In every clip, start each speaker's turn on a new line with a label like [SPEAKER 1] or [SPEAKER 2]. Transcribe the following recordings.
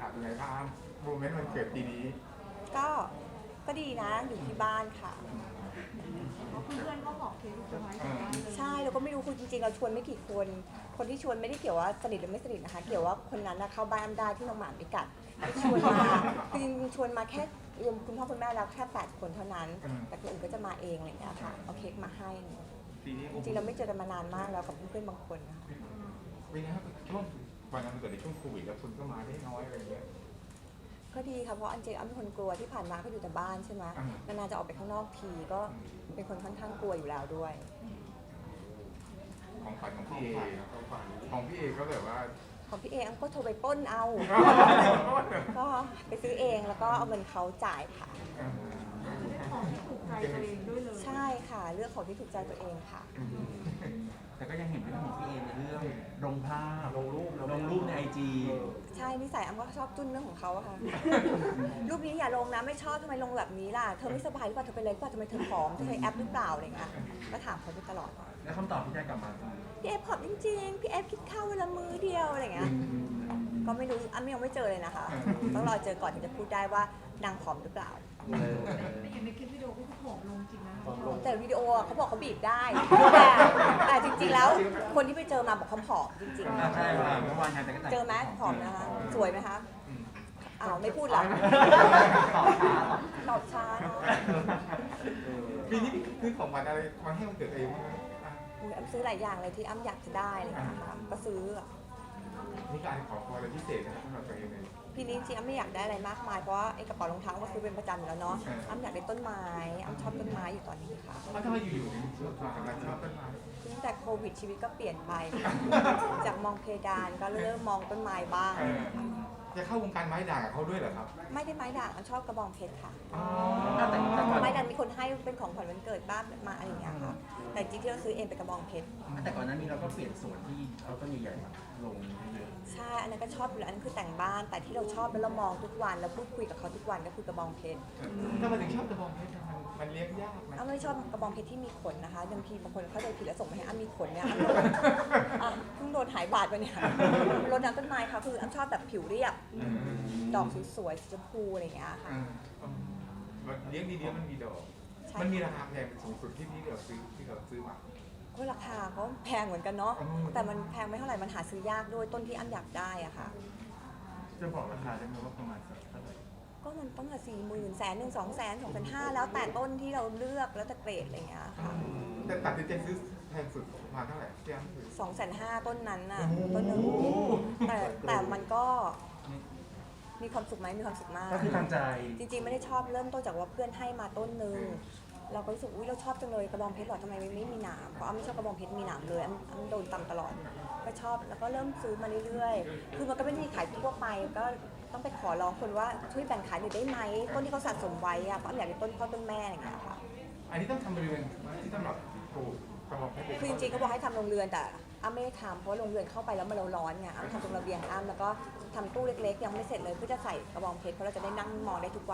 [SPEAKER 1] เป็นไงบ้างโมเมนต์วันเกิดปีนี้
[SPEAKER 2] ก็ก็ดีนะอยู่ที่บ้านค่ะ
[SPEAKER 3] เพราะเพื่อนๆก็หอบเค้กเซอร์ไพรส์กลับบ้านเลย
[SPEAKER 2] ใช่เราก็ไม่รู้คุณจริงๆเราชวนไม่กี่คนคนที่ชวนไม่ได้เกี่ยวว่าสนิทหรือไม่สนิทนะคะเกี่ยวว่าคนนั้นนะเข้าบ้านอ้ำได้ที่น้องหมาไม่กัดชวนมาคือจริงๆชวนมาแค่รวมคุณพ่อคุณแม่แล้วแค่8 คนเท่านั้นแต่คนอื่นก็จะมาเองอะไรอย่างเงี้ยค่ะเอาเค้กมาให้
[SPEAKER 1] ปีนี้
[SPEAKER 2] จริงๆเราไม่เจอกันมานานมากแล้วกับเพื่อนๆบางคนนะคะ
[SPEAKER 1] เป็นไงครับช่วงวันนั้นมันเกิดในช่วงโควิดแล้วคนก็มาได้น้อยอะไรเงี้ย
[SPEAKER 2] ก็ดีค่ะเพราะอันเจอ้ำเป็นคนกลัวที่ผ่านมาก็อยู่แต่บ้านใช่ไหมนานๆจะออกไปข้างนอกทีก็เป็นคนค่อนข้างกลัวอยู่แล้วด้วย
[SPEAKER 1] ของขวัญของพี่เอของพี่เอก็แบบว่า
[SPEAKER 2] ของพี่เออ้ำก็โทรไปปล้นเอา ก็ไปซื้อเองแล้วก็เอาเงินเขาจ่ายค่ะ
[SPEAKER 3] ได้ของที่ถูกใจตัวเองด้วยเลย
[SPEAKER 2] ใช่ค่ะเลือกของที่ถูกใจตัวเองค่ะ
[SPEAKER 4] แต่ก็ยังเห็นเรื่องของพี่เอในเรื่องลงภาพลงรูปในIG
[SPEAKER 2] ใช่นิสัยอ้ำก็ชอบจุ้นเรื่องของเขาอะค่ะ รูปนี้อย่าลงนะไม่ชอบทำไมลงแบบนี้ล่ะเธอไม่สบายหรือเปล่าเธอเป็นอะไรหรือเปล่าทำไมเธอผอมเธอใช้แอปหรือเปล่าอะไรเงี้ยก็ถามเขาอยู่ตลอด
[SPEAKER 4] แล้วคำตอบที่ได้กลับมาคือ
[SPEAKER 2] พี่เอฟผอมจริงๆพี่เอฟคิดข้าวเวลามื้อเดียวอะไรเงี้ยก็ไม่รู้อ้ำยังไม่เจอเลยนะคะต้องรอเจอก่อนถึงจะพูดได้ว่านางผอมหรือเปล่า
[SPEAKER 3] แต่อย่างในคลิปวิดีโอก็คือผอมลงจริงนะ
[SPEAKER 2] แต่วิดีโอเขาบอกเขาบีบได้แต่จริงๆแล้วคนที่ไปเจอมาบอกเขาผอมจริง
[SPEAKER 4] ใช่ค่ะเมื่อวานงานแต่ก็แต่ง
[SPEAKER 2] ๆเจอไหมผอมนะคะสวยไหมคะอ้าวไม่พูดหรอตอบช้าเนอะ
[SPEAKER 1] ปีนี้คือของขวัญอะไรมาให้วันเกิดเองบ้างอ่ะ
[SPEAKER 2] อุ๊ยอ้ำซื้อหลายอย่างเลยที่อ้ำอยากจะได้อะไรอย่างเลยนะคะก็ซื้อ
[SPEAKER 1] นี่การขอพรอะไรพิเศษนะครับสำหรับตัวเองเลย
[SPEAKER 2] พี่นี้จริงๆอ้ำไม่อยากได้อะไรมากมายเพราะว่าไอ้กระเป๋ารองเท้าก็ซื้อเป็นประจำอยู่แล้วเนาะอ้ำอยากได้ต้นไม้อ้ำชอบต้นไม้อยู่ตอนนี้ค่ะ
[SPEAKER 1] ทำไมอยู่ๆถึงชอบความสำคัญชอบต้นไม้
[SPEAKER 2] ตั้งแต่โควิดชีวิตก็เปลี่ยนไป จากมองเพดานก็เริ่มมองต้นไม้บ้าง
[SPEAKER 1] จะเข้าวงการไม้ด่างกับเขาด้วยเหรอครับ
[SPEAKER 2] ไม่ได้ไม้ด่างอ้ำชอบกระบองเพชรค่ะ
[SPEAKER 1] อ๋อ
[SPEAKER 4] แต่ก่อน
[SPEAKER 2] ไม้ด่างมีคนให้เป็นของขวัญวันเกิดบ้างมาอะไรอย่างเงี้ยค่ะแต่จริงๆที่เราซื้อเองเป็นกระบองเพชร
[SPEAKER 4] แต่ก่อนหนั้นนี้เราก็เปลี่ยนสวนที่เอาต้นใหญ่ๆมาลงเยอะ
[SPEAKER 2] ใช่อันนั้นก็ชอบอยู่แล้วอันนั้นคือแต่งบ้านแต่ที่เราชอบแล้วเรามองทุกวันแล้วพูดคุยกับเขาทุกวันก็คือกระบองเพชร
[SPEAKER 1] ถ้ามันถึงชอบกระบองเพชรมันเลี้ยงยากไหม
[SPEAKER 2] อ้ำไม่ชอบกระบองเพชรที่มีขนนะคะบางทีบางคนเข้าใจผิดแล้วส่งมาให้อ้ำมีขนเนี่ยอ้ำเพิ่งโดนหายบาดไปเนี่ยรดน้ำต้นไม้ค่ะคืออ้ำชอบแบบผิวเรียบดอกสวยๆสีชมพูอะไรอย่างเงี้ยค่ะ
[SPEAKER 1] เลี้ยงดีๆมันมีดอก
[SPEAKER 2] ใช่
[SPEAKER 1] มันมีราคาแพงสูงสุดที่เราซื้อมา
[SPEAKER 2] ก็ราคาก็แพงเหมือนกันเนาะ
[SPEAKER 1] อืม
[SPEAKER 2] แต่มันแพงไม่เท่าไหร่มันหาซื้อยากด้วยต้นที่อ้ำอยากได้อะค่ะ
[SPEAKER 4] จะบอกราคาได้ไหมว่าประมาณสักเท่าไหร่
[SPEAKER 2] ก็มันต้องละ40,000แสนหนึ่ง200,000 2,500แล้วแต่ต้นที่เราเลือกแล้วแต่เกรดอะไรอย่างเงี้ยค่ะ
[SPEAKER 1] แต่ตัดสินใจซื้อแพงสุดประมาณเท่าไหร่ที่อ้ำซื้อ
[SPEAKER 2] 250,000ต้นนั้นน่ะต้นหนึงแต่มันก็มีความสุขไหมมีความสุขมาก
[SPEAKER 4] ก็คือทางใจ
[SPEAKER 2] จริงๆไม่ได้ชอบเริ่มต้นจากว่าเพื่อนให้มาต้นหนึ่งเราก็รู้สึกอุ้ยเราชอบจังเลยกระบองเพชรหรอทำไมไม่มีหนามเพราะอ้ำไม่ชอบกระบองเพชรมีหนามเลยอ้ำโดนตำตลอดก็ชอบแล้วก็เริ่มซื้อมาเรื่อยๆคือมันก็ไม่ได้มีขายทั่วไปก็ต้องไปขอร้องคนว่าช่วยแบ่งขายหน่อยได้ไหมต้นที่เขาสะสมไว้อะเพราะอ้ำอยากได้ต้นพ่อต้นแม่อะไรอย่างเงี้ยค่ะ
[SPEAKER 1] อันนี้ต้องทำบริเวณที่สำหรับปลูกกระบองเพชร
[SPEAKER 2] คือจริงๆก็บอกให้ทำโรงเรือนแต่อ้ำไม่ได้ทำเพราะว่าโรงเรือนเข้าไปแล้วมันร้อนไงอ้ำทำตรงระเบียงอ้ำแล้วก็ทำตู้เล็กๆยังไม่เสร็จเลยเพื่อจะใส่กระบองเพชรเพราะเราจะได้นั่งมองได้ทุกวัน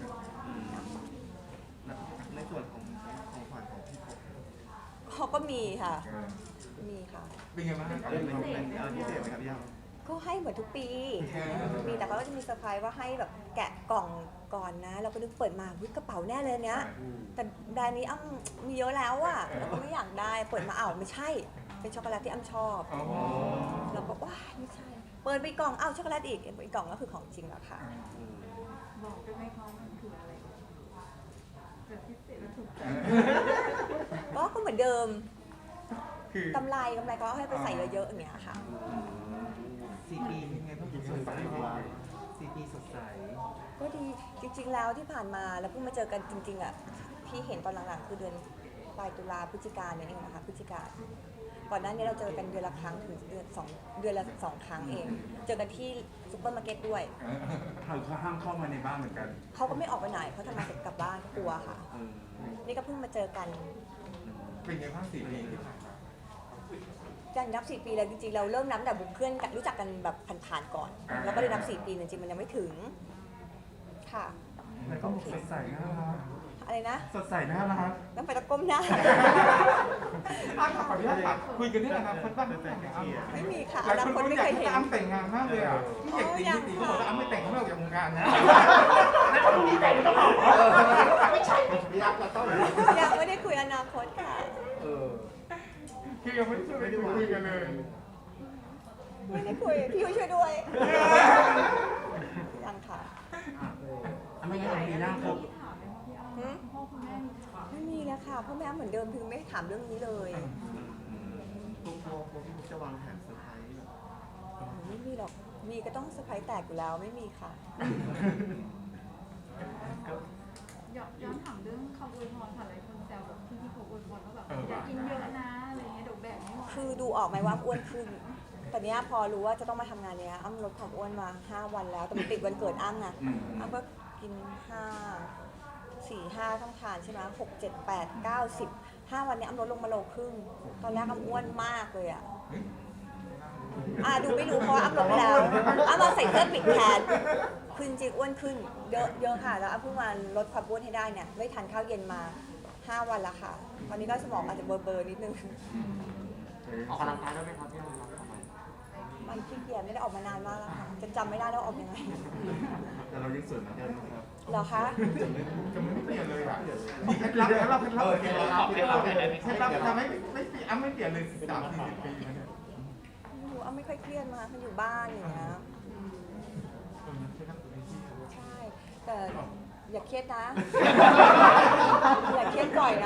[SPEAKER 4] ในส่วนของขวัญของพี่ผม
[SPEAKER 2] เขาก็มีค่ะมีค่ะ
[SPEAKER 1] เป็นไงบ้างครับ
[SPEAKER 4] เล่นเป็นพิเศษไหมครับพี่ย่า
[SPEAKER 2] ก็ให้เหมือนทุกปี มีแต่เขาก็จะมีเซอร์ไพรส์ว่าให้แบบแกะกล่องก่อนนะ เราก็นึกเปิดมาวิกระเป๋าแน่เลยเนี้ย แต่แบรนด์นี้อ้ำมีเยอะแล้วอะเราก็ไม่อยากได้ เปิดมาอ้าวไม่ใช่ เป็นช็อกโกแลตที่อ้ำชอบ
[SPEAKER 1] อ๋อ
[SPEAKER 2] เราก็ว้ายไม่ใช่ เปิดไปกล่องอ้าวช็อกโกแลตอีกกล่องก็คือของจริงแล้วค่ะ
[SPEAKER 3] บอกได้ไหมคะมันคืออะไรจะพิเศษและถูกใจ
[SPEAKER 2] ก็เหมือนเดิม
[SPEAKER 1] คือก
[SPEAKER 2] ำไรก็ให้ไปใส่เยอะๆอย่างเงี้ยค่ะ
[SPEAKER 4] 4 ปีเป็นไงบ้างสดใส4 ปีสดใส
[SPEAKER 2] ก็ดีจริงๆแล้วที่ผ่านมาแล้วเพิ่งมาเจอกันจริงๆอ่ะที่เห็นตอนหลังๆคือเดือนปลายตุลาพฤศจิกาเนี่ยเองนะคะพฤศจิกาก่อนหน้านี้เราเจอกันเดือนละครั้งถึงเดือนละสองครั้งเอง เจอกันที่ซุปเปอร์มาร์เก็ตด้วย
[SPEAKER 4] เขาห้ามเข้ามาในบ้านเหมือนกัน
[SPEAKER 2] เขาก็ไม่ออกไปไหนเขาทำงานเสร็จกลับบ้านกลัวค่ะ นี่ก็เพิ่งมาเจอกัน
[SPEAKER 1] เป็นไงบ้าง4 ปีที่ผ่านมา
[SPEAKER 2] ยังนับ4 ปีเลยจริงๆเราเริ่มนับแต่บุกเพื่อนกันรู้จักกันแบบผ่านๆก่อนแล้วก็ได้นับ4 ปีจริงๆมันยังไม่ถึงค่ะ
[SPEAKER 4] แล้วก็สดใสน่ารัก
[SPEAKER 2] อะไรนะ
[SPEAKER 1] สดใสน่ารัก
[SPEAKER 2] ต้องไปตะก้มหน้า
[SPEAKER 1] ขออนุญาตถามคุยกันเรื่องอนาคตบ้างไหมครับ
[SPEAKER 2] ไม่มีค่ะ
[SPEAKER 1] ห
[SPEAKER 2] อ
[SPEAKER 1] ลาย
[SPEAKER 2] นา
[SPEAKER 1] คน
[SPEAKER 2] คตไม่
[SPEAKER 1] อยาก
[SPEAKER 2] เคย
[SPEAKER 1] ให้
[SPEAKER 2] เห็น
[SPEAKER 1] อ้ำแต่งงานมากเลยอ่ะนี่อยากตีเขาบอกว่าอ้ำไม่แต่งเขาไม่ออกจากวงการนะ
[SPEAKER 4] แล้วถ้าพรุ่งนี้แต่งก็ต้องออกไม่ใช่
[SPEAKER 1] พี่อ้ำเราต้อง
[SPEAKER 2] ยังไม่ได้คุยอนาคตค่ะ
[SPEAKER 1] คือยังไม่ได้คุยกันเลย
[SPEAKER 2] ไม่ได้คุยพี่ยุ้ยช่วยด้วยยังค่ะ
[SPEAKER 4] ไม่งั้นปีหน้าครบ
[SPEAKER 3] ถามไหมว่าพี่อ้ำ
[SPEAKER 2] หืม
[SPEAKER 3] พ่อคุณแม่มีถาม
[SPEAKER 2] ไม่มีแล้วค่ะพ่อแม่เหมือนเดิมคือไม่ถามเรื่องนี้เลย
[SPEAKER 5] ตัวพี่มุกจะวางแผนเซอร์ไพรส์แบบ
[SPEAKER 2] ไม่มีหรอกมีก็ต้องเซอร์ไพรส์แตกอยู่แล้วไม่มีค่ะ
[SPEAKER 3] ย้อนถามเรื่องคำอวยพรค่ะหลายคนแซวแบบที่เขาอวยพรว่าแบบอย่ากินเยอะนะอะไรเงี้ยเดี๋ยวแบกไม่ไหว
[SPEAKER 2] คือดูออกไหมว่าอ้วนขึ้นแต่เนี้ยพอรู้ว่าจะต้องมาทำงานเนี้ยอ้ำลดความอ้วนมา 5 วันแล้วแต่มันติดวันเกิดอ้ำไงอ้ำก็กิน 5 ต้องทานใช่ไหม6 7 8 9 10 5 วันเนี้ยอ้ำลดลงมาโลครึ่งตอนแรกอ้ำอ้วนมากเลยอ่ะดูไม่รู้เพราะว่าอ้ำลดไปแล้วอ้ำมาใส่เสื้อปิดแขนคือจริงๆอ้วนขึ้นเยอะค่ะแล้วอ้ำเพิ่งมาลดความอ้วนให้ได้เนี่ยไม่ทานข้าวเย็นมา 5 วันแล้วค่ะตอนนี้ก็สมองอาจจะเบลอๆนิดนึง
[SPEAKER 4] ออกกำลังกายได้ไหมครับพี่อ้ำ
[SPEAKER 2] มันขี้เกียจไม่ได้ออกมานานมากแล้วค่ะจำไม่ได้แล้วออกยังไง
[SPEAKER 5] แต่เรายังสวยเหมือนเดิมนะครับ
[SPEAKER 2] เหรอคะ
[SPEAKER 1] จะไม่เปลี่ยนเลยอ่ะมีเคล็ดลับทำให้ไม่เปลี่ยนอ้ำไม่เปลี่ยนเลย30-40 ปีนะเนี่ย
[SPEAKER 2] ไม่รู้อ้ำไม่ค่อยเครียดมามันอยู่บ้านอย่างเงี้ยใช่ แต่อย่าเครียดนะ อย่าเครียดบ่อยนะ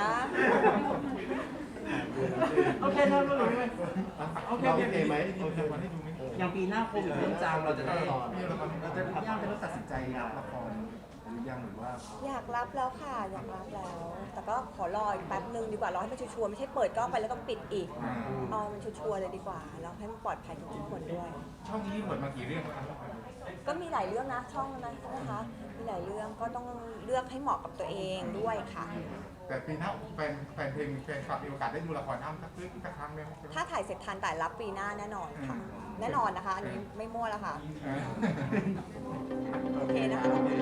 [SPEAKER 4] โอเคนะรู้เลย
[SPEAKER 5] โอเคไหมโอเค
[SPEAKER 1] วันให้ดูไหม
[SPEAKER 4] อย่างปีหน้าครบเรื่องจามเราจะได้
[SPEAKER 5] เราจะพี่อ้ำจะต้องตัดสินใจรับละครหรือยังหรือว่า
[SPEAKER 2] อยากรับแล้วค่ะ อยากรับแล้ว แต่ก็ขอรออีกแป๊บนึงดีกว่ารอให้มันชัวร์ๆไม่ใช่เปิดกล้องไปแล้วต้องปิดอีกเอามันชัวร์ๆเลยดีกว่าแล้วให้มันปลอดภัยกับทุกคนด้วย
[SPEAKER 1] ช่องนี้บทมากี่เรื่องแล้ว
[SPEAKER 2] ก็มีหลายเรื่องนะช่องนั้นใช่ไหมคะมีหลายเรื่องก็ต้องเลือกให้เหมาะกับตัวเองด้วยค่ะ
[SPEAKER 1] แต่ปีหน้าแฟนเพลงแฟนคลับมีโอกาสได้ดูละครอ้ำสักครั้งไหม
[SPEAKER 2] ถ้าถ่ายเสร็จทันแต่รับปีหน้าแน่นอนค่ะ แน่นอนนะคะ อันนี้ไม่มั่วแล้วค่ะ โอเคนะคะ